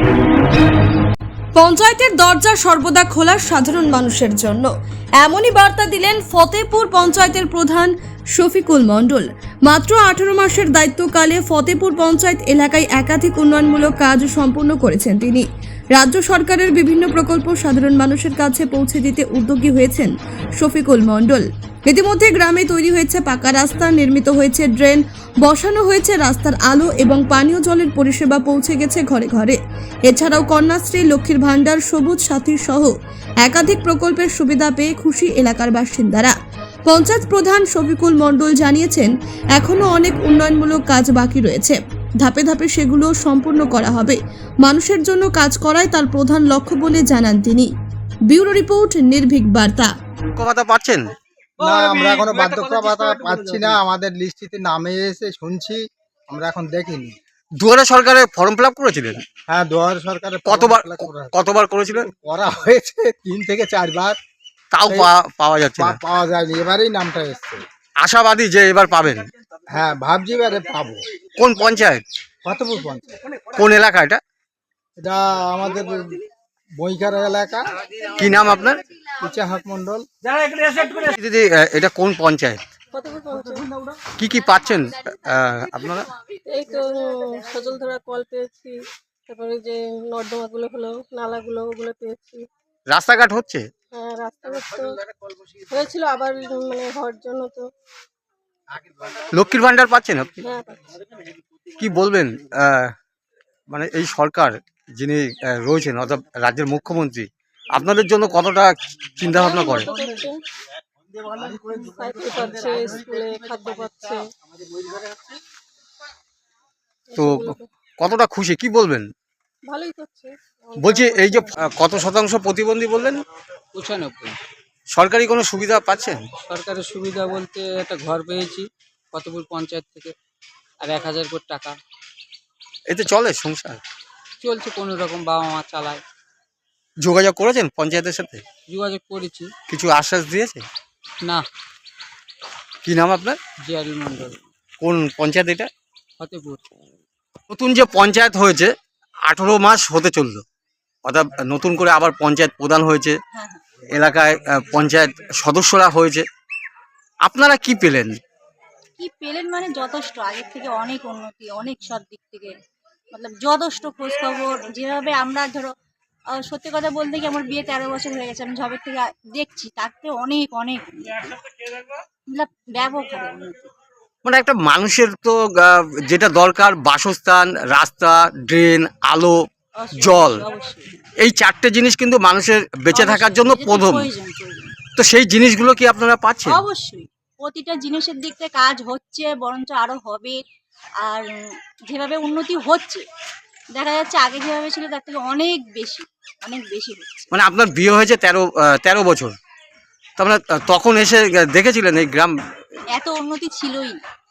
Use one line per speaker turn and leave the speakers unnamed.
পঞ্চায়েতের দরজা সর্বদা খোলা সাধারণ মানুষের জন্য, এমনই বার্তা দিলেন ফতেপুর পঞ্চায়েতের প্রধান শফিকুল মণ্ডল। মাত্র 18 মাসের দায়িত্বকালে ফতেপুর পঞ্চায়েত এলাকায় একাধিক উন্নয়নমূলক কাজ সম্পন্ন করেছেন তিনি। রাজ্য সরকারের বিভিন্ন প্রকল্প সাধারণ মানুষের কাছে পৌঁছে দিতে উদ্যোগী হয়েছেন শফিকুল মণ্ডল। ইতিমধ্যে গ্রামে তৈরি হয়েছে পাকা রাস্তা, নির্মিত হয়েছে ড্রেন, বসানো হয়েছে রাস্তার আলো এবং পানীয় জলের পরিষেবা পৌঁছে গেছে ঘরে ঘরে। এছাড়াও কন্যাশ্রী, লক্ষ্মীর ভাণ্ডার, সবুজ সাথী সহ একাধিক প্রকল্পের সুবিধা পেয়ে খুশি এলাকার বাসিন্দারা। পঞ্চায়েত প্রধান শফিকুল মণ্ডল জানিয়েছেন, এখনো অনেক উন্নয়নমূলক কাজ বাকি রয়েছে, ধাপে ধাপে সেগুলো সম্পূর্ণ করা হবে। মানুষের জন্য কাজ করাই তার প্রধান লক্ষ্য বলে জানান তিনি। ব্যুরো রিপোর্ট, নির্ভীক বার্তা।
কথা পাচ্ছেন
না, আমরা এখনো বার্ধক্য ভাতা পাচ্ছি না। আমাদের লিস্টিতে নামে এসে শুনছি, আমরা এখন দেখিনি।
দুয়ারে সরকারের ফর্ম ফিল আপ করেছিলেন?
হ্যাঁ, দুয়ারে সরকারের
কতবার করেছিলেন?
করা হয়েছে 3 থেকে 4 বার,
তাও পাওয়া যাচ্ছে না।
পাওয়া যায়নি। এবারেই নামটা এসছে।
আশাবাদী যে এবার পাবেন?
হ্যাঁ, ভাবছি এবারে পাবো।
কোন পঞ্চায়েত?
ফতেপুর পঞ্চায়েত।
কোন এলাকা এটা?
এটা আমাদের বইকার এলাকা।
কি নাম আপনার?
ইচাহাক মন্ডল।
দিদি, এটা কোন পঞ্চায়েত? কি কি পাচ্ছেন আপনারা?
এই তো সজল ধরা কল পেয়েছি, তারপরে যে নর্দমাগুলো হলো, নালাগুলো, ওগুলো পেয়েছি।
রাস্তাঘাট হচ্ছে?
হ্যাঁ, রাস্তাঘাট তো হয়েছিল, আবার মানে হওয়ার জন্য তো।
লক্ষ্মীর ভাণ্ডার পাচ্ছেন আপনি?
হ্যাঁ, পাচ্ছি।
কি বলবেন, মানে এই সরকার যিনি রয়েছেন অর্থাৎ রাজ্যের মুখ্যমন্ত্রী আপনাদের জন্য কতটা চিন্তা ভাবনা করে?
সাইকেল পাচ্ছে, স্কুলে খাদ্য পাচ্ছে,
তো কতটা খুশি, কি বলবেন?
ভালোই করছে।
বলছি, এই যে কত শতাংশ প্রতিবন্ধী বললেন?
95।
সরকারি কোনো সুবিধা পাচ্ছেন?
সরকারের সুবিধা বলতে একটা ঘর পেয়েছি ফতেপুর পঞ্চায়েত থেকে, আর 1000 করে টাকা।
এতে চলে সংসার?
চলছে কোনো রকম, বাবা মা চালায়।
যোগাযোগ করেছেন পঞ্চায়েতের সাথে?
যোগাযোগ করেছি।
কিছু আশ্বাস দিয়েছে?
না।
কি নাম আপনার?
জিয়ারুল মন্ডল।
কোন পঞ্চায়েত এটা?
ফতেপুর।
নতুন যে পঞ্চায়েত হয়েছে 18 মাস হতে চললো, অর্থাৎ নতুন করে আবার পঞ্চায়েত প্রধান হয়েছে, এলাকায় পঞ্চায়েত সদস্যরা হয়েছে, আপনারা কি পেলেন?
কি পেলেন মানে যথেষ্ট, আগের থেকে অনেক উন্নতি, অনেক সব দিক থেকে যথেষ্ট খোঁজ খবর। যেভাবে আমরা ধরো, সত্যি কথা বলতে কি, আমার বিয়ে 13 বছর হয়ে গেছে, আমি যবের থেকে দেখছি তার থেকে অনেক অনেক ব্যাপক উন্নতি।
মানে একটা মানুষের তো যেটা দরকার, বাসস্থান, রাস্তা, ড্রেন, আলো, জল, এই 4টে জিনিস কিন্তু মানুষের বেঁচে থাকার জন্য প্রথম। তো সেই জিনিসগুলো কি আপনারা পাচ্ছেন?
অবশ্যই, প্রতিটা জিনিসের দিক থেকে কাজ হচ্ছে, বরঞ্চ আরো হবে। আর যেভাবে উন্নতি হচ্ছে, দেখা যাচ্ছে আগে যেভাবে ছিল তার থেকে অনেক বেশি, অনেক বেশি হচ্ছে।
মানে আপনার বিয়ে হয়েছে 13 বছর, তার মানে তখন এসে দেখেছিলেন এই গ্রাম?
এত উন্নতি ছিলই না।